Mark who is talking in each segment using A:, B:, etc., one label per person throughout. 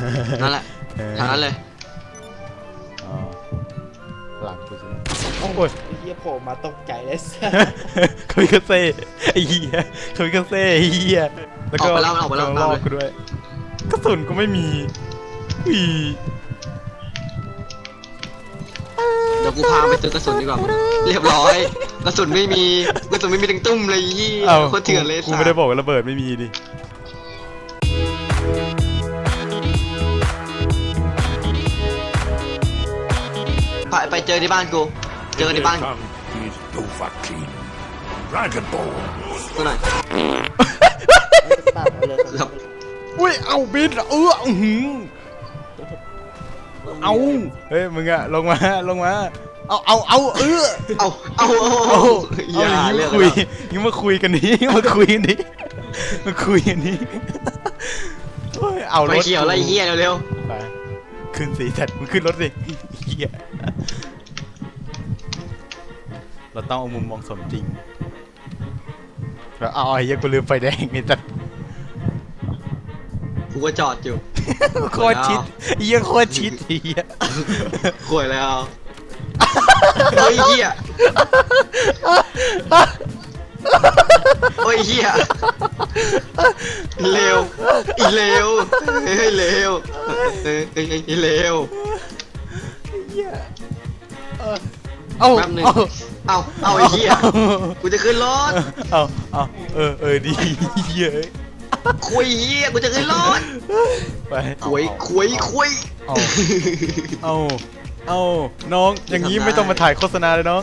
A: นั่นแหละทางนั้นเลย
B: หลังกูใช่ไหม
C: โอ้ยเฮียโผล่มาตกใจเลย
B: คามิคาเซ่ไอ้เหี้ยคามิคาเซ่ไอ้เหี้ยแล้วก็ลอกกูด้วยกระสุนก็ไม่มีอี
A: เดี๋ยวกูพาไปซื้อกระสุนดีกว่าเรียบร้อยกระสุนไม่มีถึงตุ้มเลยยี่โคตรเถื่อนเลย
B: กูไม่ได้บอกว่าระเบิดไม่มีดิ
A: ไปเจอที่บ้านกูเจอในบ้านตัวไหน
B: อุ้ยเอาบินเอาเฮ้ยมึงอะลงมาเอา
A: อย่า
B: เรื่องคุยยังมาคุยกันนี้มาคุยกันนี้เอารถ
A: ไปเขียวอะไรเหี้ยเร็ว
B: ไปขึ้นสีจัดมึงขึ้นรถสิเหี้ยเราต้องเอามุมมองสมจริงแล้วเอาไอ้เหี้ยกูลืมไฟแดงนี่จัด
A: กูก็จอดอยู่
B: โคตรชิดเหี้ยโคตรชิดเหี้ย
A: ข่วยแล้วโอ้ยเหี้ยโอ้ยเหี้ยเร็วอีเร็วเฮ้ยเร็วอีเร็ว
B: เอา
A: ไอ้เหี้ยกูจะขึ้นรถ
B: ดีเยอะ
A: คุยเหี้ยกูจะขึ้นรถ
B: ไป
A: คุย
B: เอาน้องอย่างนี้ไม่ต้องมาถ่ายโฆษณาเลยน้อง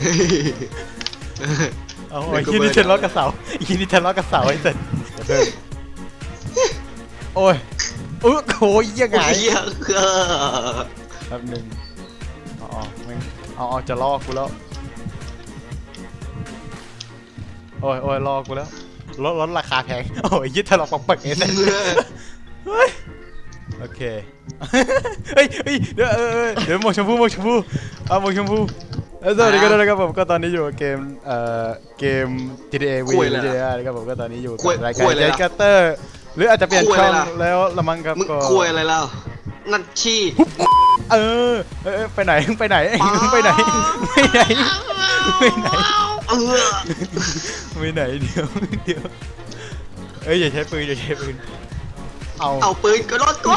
B: เอาไอ้ที่นี่เทนล็อกกระเสาไอ้ที่นี่เทนล็อกกระเสาไอ้เสร็จโอ้ยโอ้ยยังไงแป๊บนึงจะลอกกูแล้วโอ้ยลอกกูแล้วลดราคาแพงโอ้ยยึดทะเลาะปักปักเองโอเคเฮ้ยเดี๋ยวหมวกชมพูเอาหมวกชมพูสวัสดีครับผมก็ตอนนี้อยู่กับเกม GTA V นะครับผมก็ตอนนี้อยู่กับรายการเจคัตเตอร์หรืออาจจะเปลี่ยนช่องแล้วละมั้งครับก็
A: คุยอะไรแล้วนั่นชี้
B: ไปไหนเดี๋ยวอย่าใช้ปืน
A: เอาปืนก็รถก็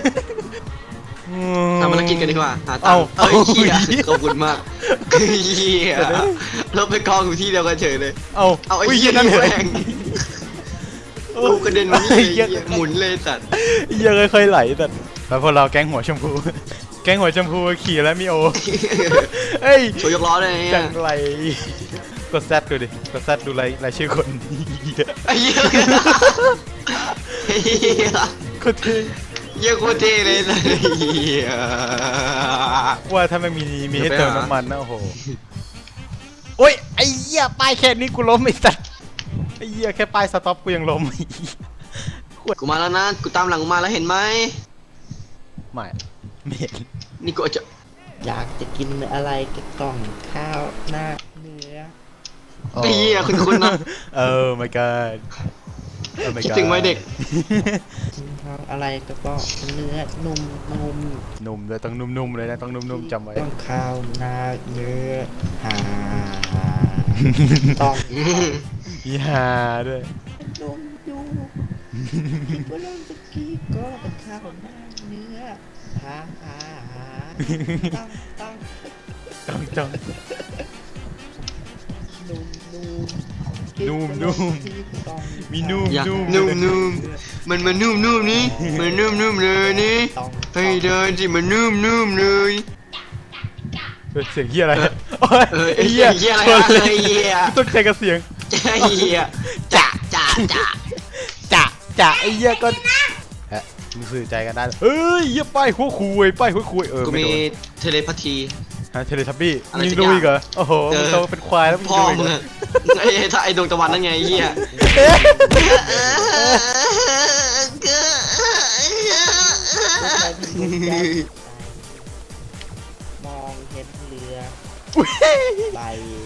A: ทำภารกิจกันดีกว่าหาตังค์เหี้ยขอบคุณมากเหี้ยรถไปกองอยู่ที่เดียวกันเฉยเลยเอาไอ้เหี้ยนั่นแรงกูกระเด็นมานี่หมุนเลยสัตว์
B: เหี้ยค่อยๆไหลสัตว์แล้วพอเราแก๊งหัวชมพูขี่แล้วมีโอเฮ้ย
A: โชว์ยกล้อเลย
B: จังไรกดแซดดูดิกดแซดดูรายชื่อคน
A: ไอ้เหี้ย
B: โคตรเท่
A: โคตรเท่เลยนะ
B: ว่าถ้าไม่มีให้เติมน้ำมันนะโอ้โหโอ้ยไอ้เหี้ยป้ายแค่นี้กูล้มไอ้สัสไอ้เหี้ยแค่ป้ายสต็อปกูยังล้ม
A: กูมาแล้วนะกูตามหลังมาแล้วเห็นไหม
B: ไม่เห็น
A: นี่กูจะ
C: อยากจะกินอะไรก็ต้องข้าวหน้าเนื้อ
A: ไอ้เหี้ยคุณนะ
B: my god
A: คิดถึงวัยเด็ก
C: อะไรก็ต้องเนื้อ
B: นุ่มเลยต้องนุ่มเลยนะต้องนุ่มจำไว้
C: ต้องข้าวหน้าเนื้อต้อง
B: หาด้วย
C: นุ่มอยู่ก็เริ่มตะกี้ก็เป็นข้าวหน้าเนื้อ
B: ต้องนุ่มมีนุ่ม
A: มันนุ่มนี่มันนุ่มเลยนี่ให้เดินสิมันนุ่มเลย
B: เสียงเหี้ยอะไร
A: ไอ้เหี้ยอะไรไอ้เหี้ย
B: ต้องใจกับเสียง
A: ไอ้เหี้ยจ่
B: าไอ้เหี้ยก็มึงสื่อใจกันได้เฮ้ยเหี้ยป้ายหัวคุย
A: กูมีเทเลพาธี
B: เทเลทับบี้ยิงดูอีกเหรอโอ้โหมึงโตเป็นควายแล้วมึง
A: ดูอีกเหรอไอ้ดวงตะวันนั่นไงเหี้ย
C: มองเห็นเรือไป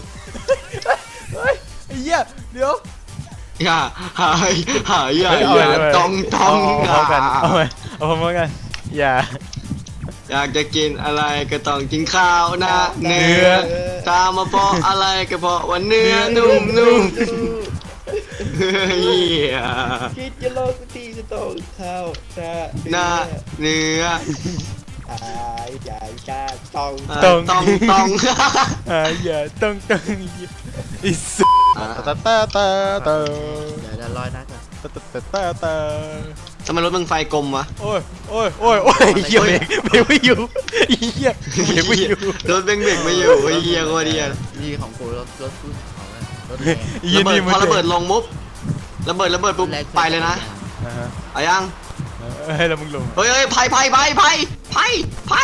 B: ไอ้เหี้ยเดี๋ยว
A: หายต้อง
B: เอาพร้อมกันอย่า
A: อยากจะกินอะไรก็ต้องกินข้าวนะเนื้อตามมาเพราะอะไรก็เพราะว่าเนื้อนุ่มๆเฮีย
C: คิดจะลองทีก็ต้องเข้าหน้า
A: หน้าเนื้อ
C: ใหญ่จ้าต้อง
A: ต้อง
B: อย่าต้องอิสตาตาตาตา
C: เดี๋ยวลอยนัดก่อน
B: ตาตาตาตา
A: ทำไมรถมึงไฟกลมวะ
B: โอ้ยเหี้ยเบรกไม่อยู่เหี้ยเบรกไม่อยู่
A: รถเบงเบรกไม่อยู่ไอ้เหี้ยโคตรเหี้ย
C: นี่ของกูรถของรถแ
B: ยี่นี่
A: พอระเบิดลงมุบระเบิดปุ๊บไปเลยนะเอายัง
B: ให้เรามึงลง
A: เฮ้ยไผ่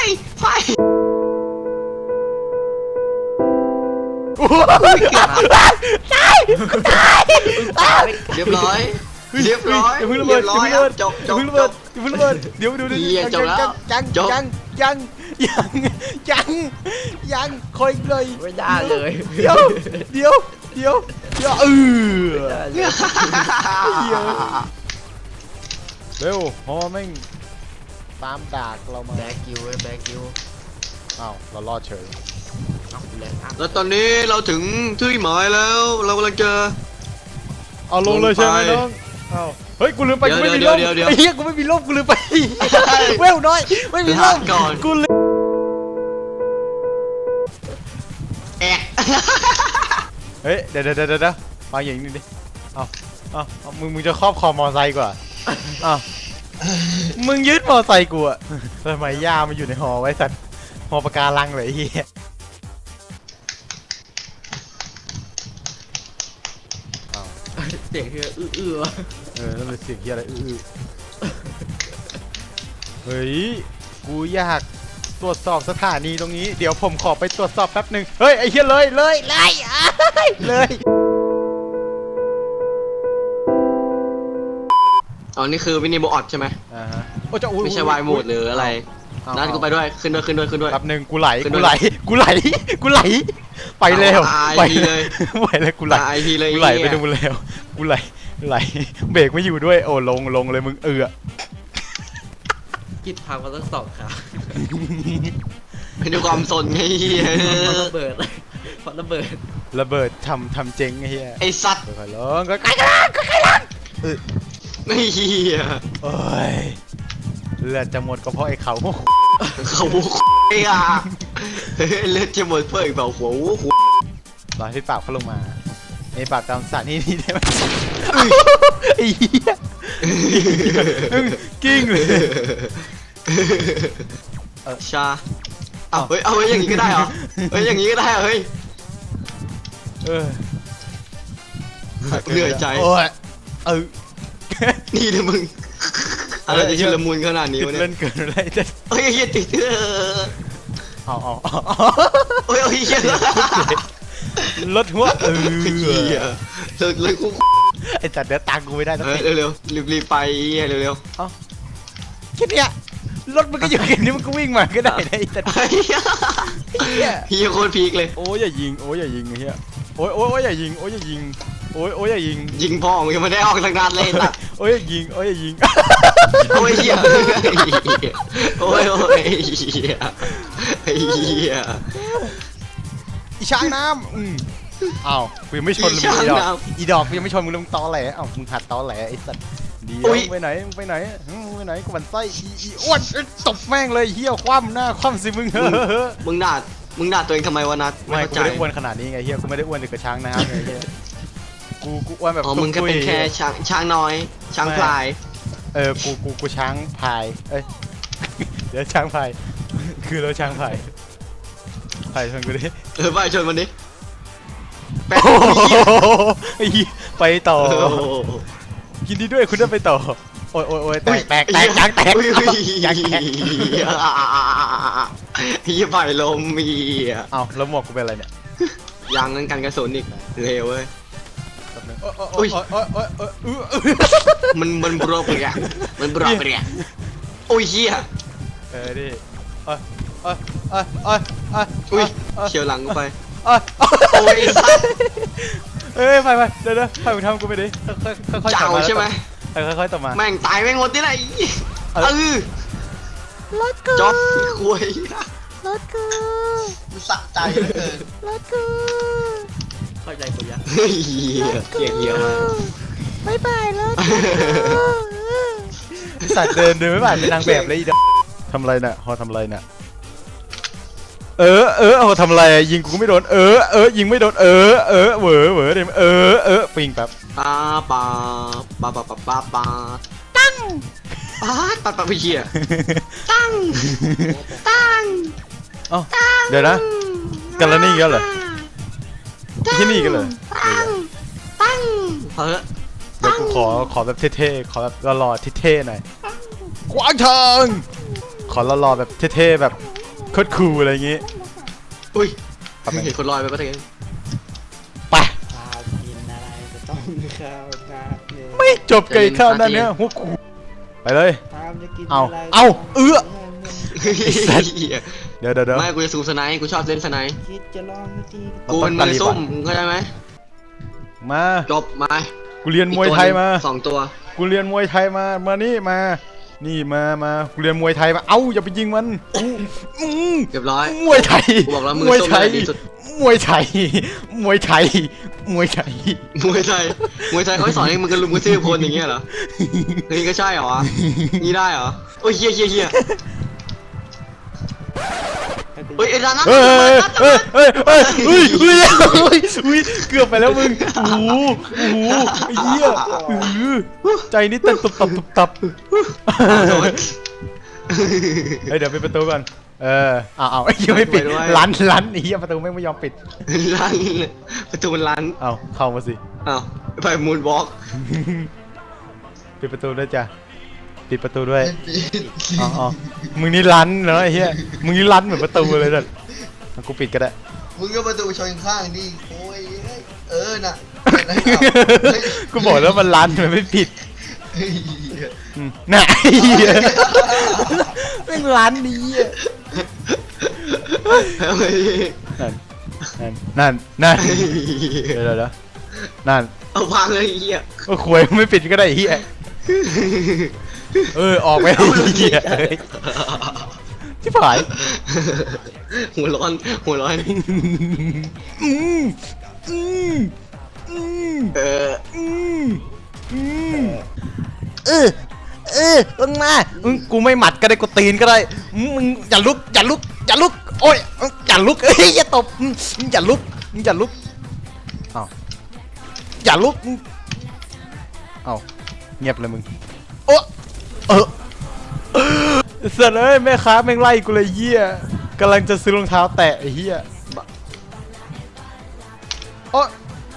A: เรียบร้อย
B: อย่าเพิ่งระเบิด
A: จบ
B: เดี๋ยวดูยังคอยเลย
C: ไม่ได้เลย
B: เดี๋ยวเร็วพอแม่งตามดากเรามา
C: แบกิวแบกิว
B: อ้าวเรารอดเฉย
C: เอาแรงอัพ
A: แล้วตอนนี้เราถึงที่หมายแล้วเรากำลังจะ
B: เอาลงเลยใช่ไหมน้องอ้าวเฮ้ยกูลืมไปกูไม่มีร่มไอ้เหี้ยกูไม่มีร่มกูลืมไปเวลน้อยไม่มีร่มกูลืม
A: แอก
B: เฮ้ยเดี๋ยวฟังอย่างนี้ดิเอามึงจะครอบคอมอไซค์กว่ามึงยึดมอไซค์กูอะทำไมย่ามันอยู่ในหอไว้สัตว์หอปะการังเลยไอ้เหี้ย
C: เสียงคืออื้อวะ
B: นั่นเป็นเสียงเหี้ยอะไรเฮ้ยกูอยากตรวจสอบสถานีตรงนี้เดี๋ยวผมขอไปตรวจสอบแป๊บหนึ่งเฮ้ยไอ้เหี้ยเลย
A: อ๋อนี่คือวินิโบออดใช่ไหม
B: โอ้จะ
A: ไม่ใช่วายโหมดหรืออะไรนัดกูไปด้วยขึ้นด้วย
B: แป๊บหนึ่งกูไหลไปแล้วไปเลยกูไหล
A: ไอพีเลย
B: กูไหลไปดูแล้วกูไหลเบรกไม่อยู่ด้วยโอ้ลงเลยมึง
C: คิดพังมาตั้ง2 ขา
A: เป็นด้วยความสนไงเฮีย
C: ระเบิดระเบิด
B: ทำเจ๊งไอ้เหี้ย
A: ไอสัตว์
B: ค่อยๆลงใกล้ๆ
A: ไม่เฮีย
B: โอ้ยเลือดจะหมดก็เพราะไอ้เขา
A: เขาไอ้อะเลือดจะหมดเพื่ออีกเปล่าหัว
B: รอให้ปราบเขาลงมาไอ้ปราบตามสถานที่นี่ได้ไหมไอ้เหี้ยกิ้งเลย
A: ชาเอาเฮ้ยอย่างนี้ก็ได้เหรออย่างนี้ก็ได้เหรอเฮ้ยเหนื่อยใจนี่นะมึงอะไรจะชุลมุนขนาดนี้วะเนี่ย
B: เล่นเกินอะไรจะ
A: เฮ้ยเฮียติด
B: เอา
A: เฮ้ยเฮีย
B: รถหัว
A: เฮียเลยกู
B: ไอ้จัดเดี๋ยวตังกูไม่ได้สักที
A: เร็วรีบไปเฮียเร็ว
B: แค่เนี้ยรถมันก็อยู่แค่นี้มันก็วิ่งมาก็ได้ไอ้จัด
A: เฮียโคตรพีคเลย
B: โอ้ยอย่ายิงไอ้เหี้ยโอ้ยอย่ายิง
A: ยิงพ่อมึงยังไม่ได้ออกสักนัดเลยนะ
B: โอ้ยอย่ายิง
A: โอ้ยเฮียโอ้ยเฮีย
B: อีช้างน้ำอ้าวกูยังไม่ชนมึงอีดอกกูยังไม่ชนมึงเลยมึงตอแหลอ้าวมึงหัดตอแหลไอ้สัตว์เดี๋ยวไปไหนกูมันไส้อีอ้วนตบแม่งเลยเหี้ยคว่ำหน้าคว่ำสิมึง
A: มึงด่าตัวเองทำไมวะนัท
B: ไม่กูไม่ได้อ้วนขนาดนี้ไงเหี้ยกูไม่ได้อ้วนถึงกับช้างน้ำไงเหี้ยกูอ้วนแบบ
A: มึงแค่เป็นแค่ช้างน้อยช้างพลาย
B: กูช้างพายเดี๋ยวช้างพายคือเราช้างพายชนกูดิ
A: ไปชนมันดิ
B: ไปต่อยินดีด้วยคุณได้ไปต่อโอ้ยแตกยางแตก
A: เฮียไปลมมี
B: เอาแล้วหมวกกูเป็นอะไรเนี่ย
A: ยางนั้นกันกระสุนอีกเร็วเว้ยมันบรอบเลยอ่ะโอ้ยเฮีย
B: ดิ
A: อุ้ยเฉียวหลังกูไป
B: โอ้ยไปเดี๋ยวให้มึงทำกูไปดิค่อยๆต่อมา
A: ใช่ไหม
B: ค่อยๆต่อมา
A: แม่งตายแม่งหมดที่ไหน
B: รถกู
A: จ๊อบคุย
B: รถกู
C: มันสะใจเหลือเกิน
B: รถกู
C: เข้าใจกูยัง
A: เฮ้ยเหี้ยมาก
B: บ๊ายบายรถสัตว์เดินไม่ผ่านเป็นนางแบบเลยอีดอกทำอะไรน่ะฮอทำอะไรน่ะฮอทำอะไรยิงกูไม่โดนยิงไม่โดนเหวอเดี๋ยวปิงแป๊บ
A: ปาปาปาปาปาปาปาตั้งปาปาปาไปเหี้ยตั้งตั้ง
B: เอ้าเดี๋ยวนะกันแล้วนี่กันเหรอที่นี่กันเหรอ
A: ตั้งเฮ้ย
B: เดี๋ยวกูขอแบบเท่ๆขอแบบหล่อๆเท่ๆหน่อยขวางทางขอหล่อๆแบบเท่ๆแบบโคตรคูลอะไรอย่างงี้
A: อุ้ยเห็นคนลอยไปปะเถอะ
B: ไป
C: ข้าวกินอะไรจะต้องข้าวนาเนี่ย
B: ไม่จบไก่ข้าวนั่นเนี่ยหัวคูไปเลย
C: ข้าวจะกิน
B: เอา
C: อะไร
B: เอาเอื้อ
A: เหี้ย
B: เดี๋ยว
A: ไม่กูจะซูมสไนค์กูชอบเล่นสไนค์
C: คิดจะลองวิธี
A: กูเป็นมือซุ่มมึงเข้าใจไหม
B: มา
A: จบมา
B: กูเรียนมวยไทยมา
A: สองตัว
B: กูเรียนมวยไทยมานี่มานี่มากูเรียนมวยไทยมาเอ้าอย่าไปยิงมันอืม
A: เรียบร้อย
B: มวยไทย
A: กูบอกแล้วมือ
B: มวย
A: ส้ม
B: ไทย
A: ดีสุด
B: มวยไทยมวยไทยมวยไทย
A: มวยไทยเขาให้สอนให้มึงกันลุมกันซื้อพลอย่างเงี้ยเหรอเฮ้ยก็ใช่เหรอวะนี่ได้เหรอโอ้ยเฮียเฮ้ยไอ้ร้านนั้น
B: เฮ้ยเกือบไปแล้วมึงโอ้โหไอ้เหี้ยใจนี่เต้นตับเฮ้ยเดี๋ยวปิดประตูก่อนเอาไอ้ยังไม่ปิดลันไอ้เหี้ยประตูไม่ยอมปิด
A: ร้านประตูร้าน
B: เอาเข้ามาสิ
A: อ้าวไปมูนวอล์ก
B: ปิดประตูด้วยจ้ะปิดประตูด้วยอ๋อมึงนี่ลันเนาะไอ้เหี้ยมึงนี่ลันเหมือนประตูเลยนั่นกูปิดก็ได้
C: มึงก็ประตูชนข้างดิโอ้ยน่ะ
B: กูบอกแล้วมันลันมันไม่ผิดน่ะไอ้เหี้ยแม่งลันดีอ่ะนั่นเดี๋ยวนั่น
A: เอาพังเลยไอ้เหี้ย
B: ก็ควยไม่ปิดก็ได้ไอ้เหี้ยออกไปไอ้เหี้ยที่ผาย
A: หัวร้อน
B: ลงมากูไม่หมัดก็ได้กูตีนก็ได้มึงอย่าลุกโอ้ยอย่าลุกอย่าตบอย่าลุกอ้าวอย่าลุกอ้าวเงียบเลยมึงโอ้เสร็จเลยแม่ค้าแม่งไล่กูเลยเหี้ยกำลังจะซื้อรองเท้าแตะไอ้เหี้ยโอ้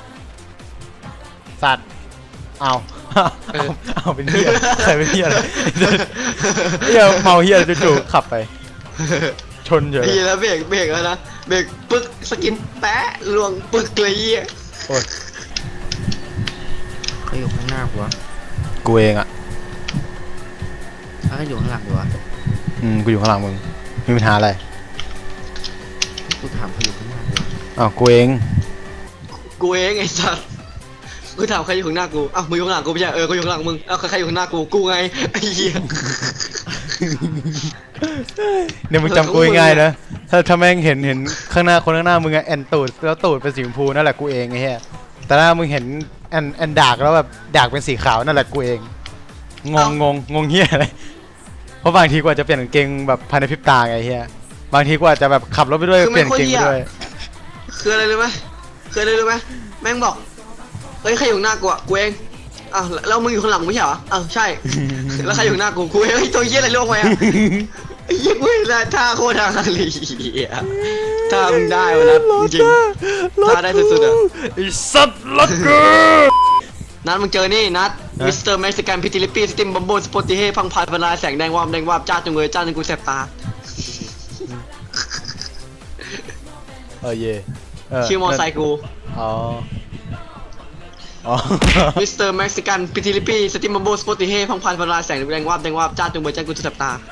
B: สัตว์เอาเป็นเหี้ยใครเป็นเหี้ยอะไรเหี้ยเมาเหี้ยจู่ๆขับไปชนเฉย
A: ดีแล้วเบรกแล้วนะเบรกปึ๊กสกินแปะลวงปึ๊กเลยเหี้ย
B: โอ้ย
C: เขาอยู่ข้างหน้ากูวะ
B: กูเองอ่ะ
C: เขาอยู่ข้างหลังกูวะ
B: กูอยู่ข้างหลังมึงมีปัญหาอะไร
C: กูถามเขาอยู่ข้างหน้ากูวะ
B: อ้าวกูเอง
A: ไอ้สัสกูถามใครอยู่ข้างหน้ากูอ้าวมึงอยู่ข้างหลังกูไม่ใช่กูอยู่ข้างหลังมึงอ้าวใครอยู่ข้างหน้ากูไงไอ้เหี้ย
B: เนี่ยมึงจำกูง่ายๆนะถ้าแม่งเห็นข้างหน้าคนข้างหน้ามึงอะแอนตูดแล้วตูดเป็นสีชมพูนั่นแหละกูเองไอ้เหี้ยแต่ถ้ามึงเห็นแอนดากแล้วแบบดากเป็นสีขาวนั่นแหละกูเองงงเหี้ยอะไรเพราะบางทีกูอาจจะเปลี่ยนกางเกงแบบภายในพริบตาไงเหี้ยบางทีกูอาจจะแบบขับรถไปด้วยเปลี่ยนกางเกงไปด้วย
A: คืออะไรรู้ไหมแม่งบอกเฮ้ยใครอยู่ข้างหน้ากูอ่ะกูเองอ้าวแล้วมึงอยู่ข้างหลังไม่ใช่เหรออ้าวใช่แล้วใครอยู่ข้างหน้ากูเองไอ้ตัวเหี้ยอะไรล่วงไปอ่ะไอ้เหี้ยกูเห็นแล้วท่าโคตรทางเลยถ้ามึงได้วะนะจริงถ้าได้สุดๆอ่ะ
B: ไอ้สัตว์รถกู
A: นัดมึงเจอนี่นัดมิสเตอร์เม็กซิกันพิติลิปี้สติมบัมโบสปอติเฮพังพายเวลาแสงแดงวาบจ้าจงเงยจ้าจนกูแสบตา
B: เย่
A: ชื่อมอไซค์กู
B: อ๋อ
A: มิสเตอร์เม็กซิกันพิติลิปี้สติมบัมโบสปอติเฮพังพายเวลาแสงแดงวาบจ้าจงเงยจ้ากูแสบตา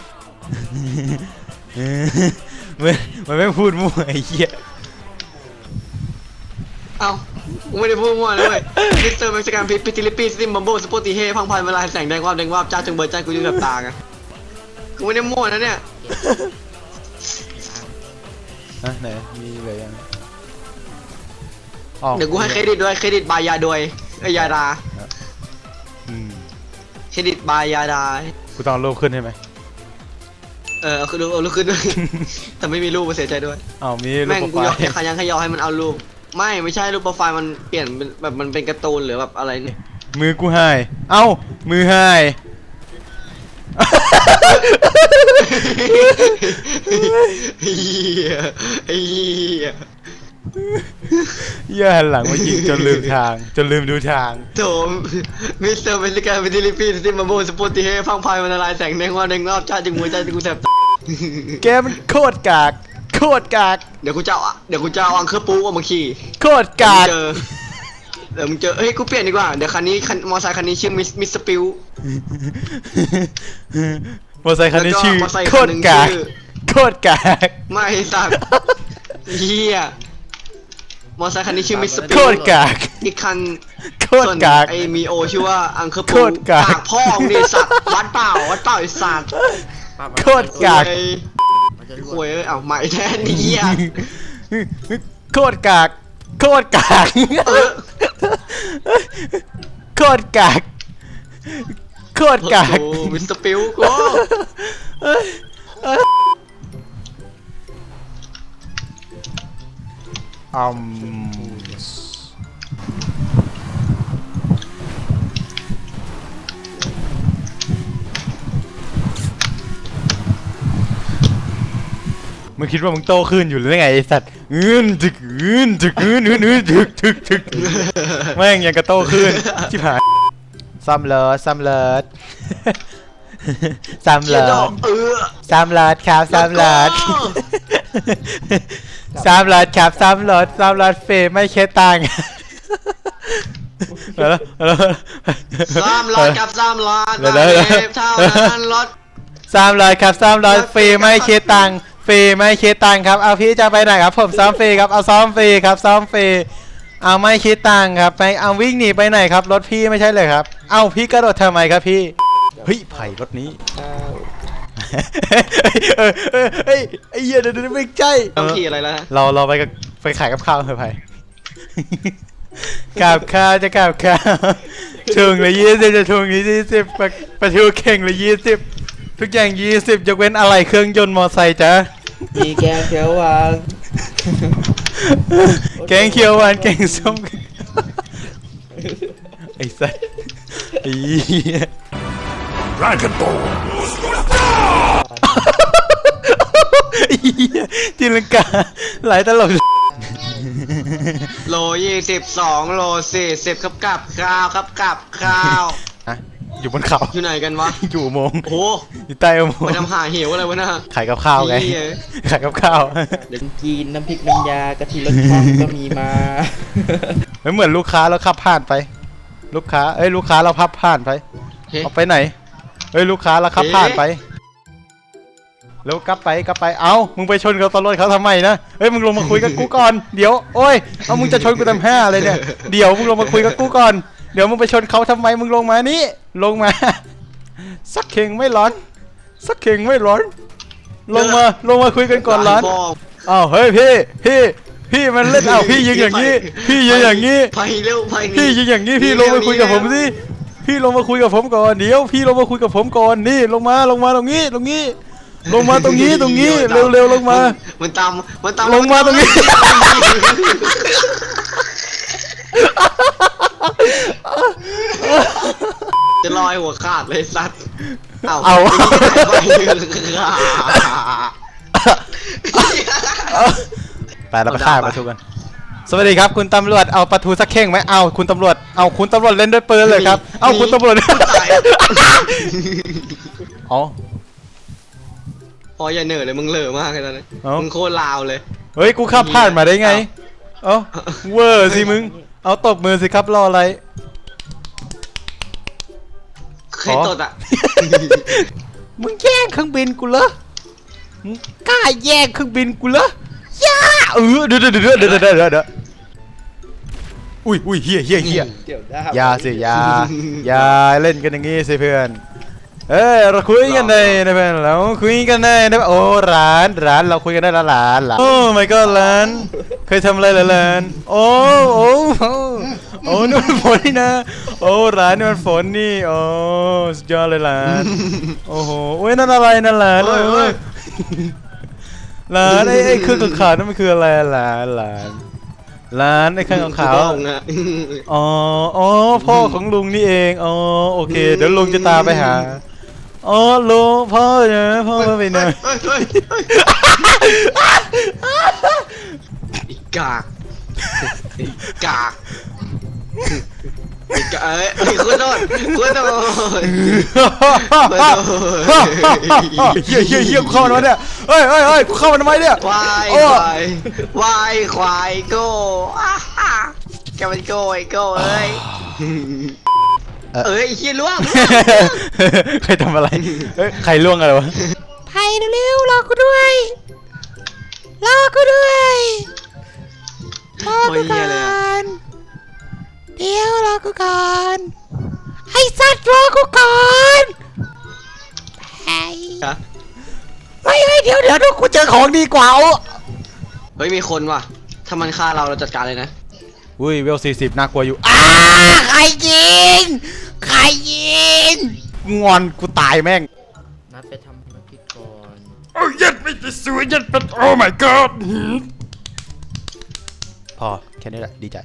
B: มันไม่พูดมั่วไอ้เหี้ย
A: เอ้ากูไม่ได้พูดมั่วเลยเว้ยมิสเตอร์เม็กซิกันพิติลิปี้สติมบัมโบสปอติเฮพังพายเวลาแสงแดงวาบจ้าจงเงยจ้ากูแสบตาไงกูไม่ได้มั่วนะเนี่ย
B: นะไหนมีอะไรยังอ๋อ
A: เดี๋ยวกูให้เครดิตด้วยเครดิตบายยาดวยไอยาดา
B: อืม
A: เครดิตบายยาดา
B: กูต้องเอารูปขึ้นใช่ไหม
A: เอาคือเอาลูกขึ้นด้วย แต่ไม่มีรูปมาเสียใจด้วย
B: อ้าวมีรูป
A: แม่ง
B: โป
A: กู
B: ร
A: ยอ
B: ไฟ
A: ม
B: ล์
A: ขยันขยอให้มันเอารูปไม่ใช่รูปโปรไฟล์มันเปลี่ยนเป็นแบบมันเป็นการ์ตูนหรือแบบอะไรเนี่ย
B: มือกูหายเอ้ามือหาย
A: เฮียเฮีย
B: อย่าหันหลังมายิงจนลืมทางจนลืมดูทาง
A: โถมิสเตอร์เมริกาเป็นดิลิปีที่มาโบสปอติเฮพังพายมันละลายแสงแดงว่าแดงรอบชาติจึงหัวใจจึงกูแสบ
B: แกมันโคตรกากโคตรกาก
A: เดี๋ยวกูจะเอาอังเคอร์ปูออกมาขี่
B: โคตรกาก
A: เดี๋ยวมึงเจอเฮ้ยกูเปลี่ยนดีกว่าเดี๋ยวคันนี้มอไซค์คันนี้ชื่อมิสปิว
B: มอไซค์คันนี้ชื่อ
A: แล้วก็มอไซค์
B: โค
A: คัน
B: ต
A: ห
B: ร
A: นึ่ง
B: กาก
A: ชื่อ
B: โคตรกาก
A: ไม่สัตว์เฮียมอไซค์คันนี้ชื่อมิสปิว
B: โคตรกาก
A: อีกคัน
B: โคตรกาก
A: ไอมีโอชื่อว่าอังเคอร์
B: โค
A: ปู
B: ตรกาก
A: พ่อมึงดิสัตว์วัดเปล่าไอสัตว์
B: โคตรกาก
A: เว้ย
C: มันจะรว
A: โวย
C: ด
A: เอ้ยเอาใหม่แทนนี่เฮีย
B: โคตรกากโคตรกาก
A: เออ
B: โคตรกากโคตรกาก
A: โอ้มิสเตอร์ปิวกู
B: อืมมึงคิดว่ามึงโตขึ้นอยู่หรือไงไอ้สัตว์ดึกดึกดึกแม่งยังกระโตขึ้นชิบหายซ้ำเลิศซ้ำเลิศซ้ำ
A: เฮีย
B: เลิ
A: ดอ
B: ศ
A: ก
B: ซ้ำเลิศครับซ้ำเลิศซ้ำเลิศครับซ้ำเลิศซ้ำเลิศเฟย์ไม่เคตังค์แล้ว
A: 300กับ300
B: เดี๋ยว
A: บาทเท่านั้นรถ
B: 300ครับ300ฟรีไม่คิดตังค์ฟรีไม่คิดตังค์ครับเอาพี่จะไปไหนครับผมซ้อมฟรีครับเอาซ้อมฟรีครับซ้อมฟรีเอาไม่คิดตังค์ครับไปเอาวิ่งหนีไปไหนครับรถพี่ไม่ใช่เลยครับเอาพี่กระโดดทำไมครับพี่เฮ้ยไผ่รถนี้
C: ข้าว
B: ไอ้เหี้ยเดี๋ยวไม่ใช่
A: ต้องขี่อะไรแล้วฮะ
B: เราไปขายกับข้าวเถอะไผ่กับข้าวจะกับข้าวถุงละ20จะถุงละ20ประทูเข่งละ20ทุกอย่าง20ยกเว้นอะไรเครื่องยนต์มอไซค์จ้ะ
C: มีแกงเขียวหวาน
B: แกงเขียวหวานแกงส้มไอ้สัสไอ้เหี้ย
D: Dragon Ball!
B: ไอ้เหี้ยตีลังกาหลายตลก
A: โล22โล40ครับกับข้าวครับกับข้าว
B: อ่ะอยู่บนเขา
A: อยู่ไหนกันวะ
B: อยู่อุโมงค์
A: โอ้
B: อยู่ใต้อุโมง
A: ไป
B: ค์
A: ทำหาเหวอะไรวะน่ะ
B: ขายกับข้าวไง
A: เหี้ย
B: ขายกับข้าว
C: เดี๋ยวกินน้ำพริกน้ำยากะทิรสช่องก็มีมา
B: ไม่เหมือนลูกค้าเราขับผ่านไป ลูกค้าเราพับผ่านไป
A: เฮ้
B: เอาไปไหนเฮ้ยลูกค้าเราขับผ่านไปแล้วกลับไปเอ้ามึงไปชนกับตำรวจเขาทำไมนะเฮ้ยมึงลงมาคุยกับกูก่อนเดี๋ยวโอ้ยเอามึงจะชนกูทำ5เลยเนี่ยเดี๋ยวมึงลงมาคุยกับกูก่อนเดี๋ยวมึงไปชนเขาทำไมมึงลงมานี่ลงมาสักเข่งไม่ร้อนสักเข่งไม่ร้อนลงมาคุยกันก่อนร้อน
A: พ่
B: อ้าวเฮ้ยพี่มันเล่นอ้าวพี่ยิงอย่างนี้พี่ยิงอย่างนี้
A: ไปเร็วไป
B: พี่ยิงอย่างนี้พี่ลงมาคุยกับผมสิพี่ลงมาคุยกับผมก่อนเดี๋ยวพี่ลงมาคุยกับผมก่อนนี่ลงมาตรงนี้ลงมาตรงนี้เร็วลงมา
A: มันตาม
B: ลงมาตรงนี้
A: จะลอยหัวขาดเลยสัตว์เอา
B: เอา ไปเราไปฆ่าปลาทูกันสวัสดีครับคุณตำรวจเอาปลาทูสักเข่งไหมเอาคุณตำรวจเล่นด้วยปืนเลยครับเอาคุณตำรวจอ๋อ
A: พออย่าเหนื่อยเลยมึงเหล่อมากเลยตอนนี้
B: เอ้ามึ
A: มึงโคตรลาวเลย
B: เฮ้ยกูขับผ่านมาได้ไงเอ้าเวอร์สิมึงเอาตบมือสิครับรออะไร
A: เคยตดอ่ะ
B: มึงแย่งเครื่องบินกูเหรอมึงกล้าแย่งเครื่องบินกูเหรอย่าเดี๋ยวอุ้ยเฮีย
C: เดี๋ยวได้
B: อย่าสิอย่าเล่นกันอย่างงี้สิเพื่อนเราคุยกันได้นะเพื่อนเราคุยกันได้นะโอ้ร้านเราคุยกันได้ละร้านโอ้ my god ร้านเคยทำอะไรเหรอร้านโอ้นี่มันฝนนี่นะโอ้ร้านนี่มันฝนนี่โอ้สุดยอดเลยร้านโอ้โหโอ้ยนั่นอะไรนั่นร้านร้านไอ้เครื่องขาวนั่นมันคืออะไรร้านไอ้เครื่องขาว อ๋อพ่อของลุงนี่เองอ๋อโอเคเดี๋ยวลุงจะตามไปหาอ๋อลุงพ่อเนี่ยพ่อมาไปหน่อย
A: อีกกากเอ้ยคุณโดน
B: เฮียกูเข้ามาทำไมเนี่ยเฮ้ยกูเข้ามาทำไมเนี่ยว
A: ายควายโก้แกมันโก้ไอ้โก้เอ้ยเฮียล่วง
B: ใครทำอะไรเฮ้ยใครล่วงอะไรวะ
C: ไผ่เร็วๆรอกูด้วยรอกูด้วยรอกูก่อนเดี๋ยวรอกูก่อนไอ้สัตว์รอกูก่อนไอ้เดี๋ยวดูกูเจอของดีกว่า
A: เฮ้ยมีคนว่ะถ้ามันฆ่าเราจัดการเลยนะ
B: อุ้ยเวล40น่ากลัวอยู่
C: ใครยิง
B: งอนกูตายแม่ง
C: นัดไปทำภารกิจก่อน
D: โอ้ยัดไม่จะสวยยัดเป็นโอ้ my god
B: พอแค่นี้แหละดีใจ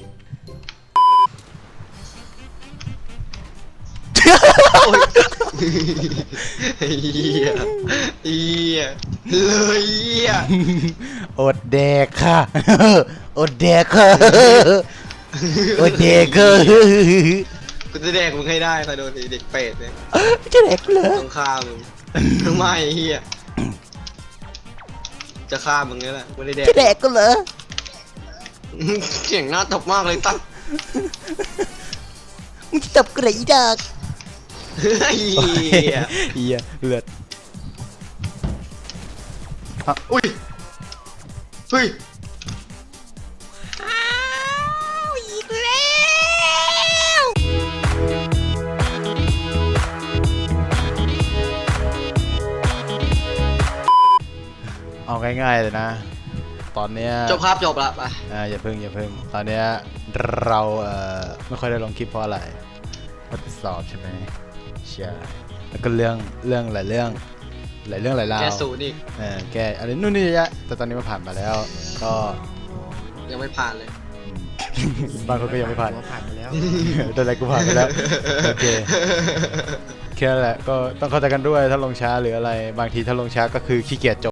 A: เฮียเลยเฮีย
B: อดแดกค่ะอดแดกค่ะอดแดกค่ะ
A: กูจะแดกมึงให้ได้ถ้าโดนไอ้เด็กเป็ดเนี่ย
B: จะแดกกูเหรอ
A: ต้องฆ่ามึงไม่เฮียจะฆ่ามึงนี่แหละไม่ได้แดก
B: จะแดกกูเหรอ
A: เสียงหน้าตบมากเลยตั้ง
C: มึงจะตบกูเหรออีดอก
A: เฮีย
B: เฮียเลือด
A: อุ้ยเฮ้ย
C: อีกแล้ว
B: เอาง่ายๆเลยนะ ตอนเนี้ย
A: จบครับจบละไป
B: อย่าเพิ่งตอนเนี้ยเราไม่ค่อยได้ลงคลิปเพราะอะไรทดสอบใช่ไหมใช่แล้วก็เรื่องหลายเรื่องหลายราว
A: แกสูนี่
B: แกอะไรนู่นนี่เยอะแยะแต่ตอนนี้มันผ่านมาแล้วก็
A: ยังไม่ผ่านเลย
B: บางคนก็ยังไม่ผ่าน
C: ผ่านไปแล้ว
B: แต่อะไรกูผ่านไปแล้วโอเคแค่นั้นแหละก็ต้องเข้าใจกันด้วยถ้าลงช้าหรืออะไรบางทีถ้าลงช้าก็คือขี้เกียจจบ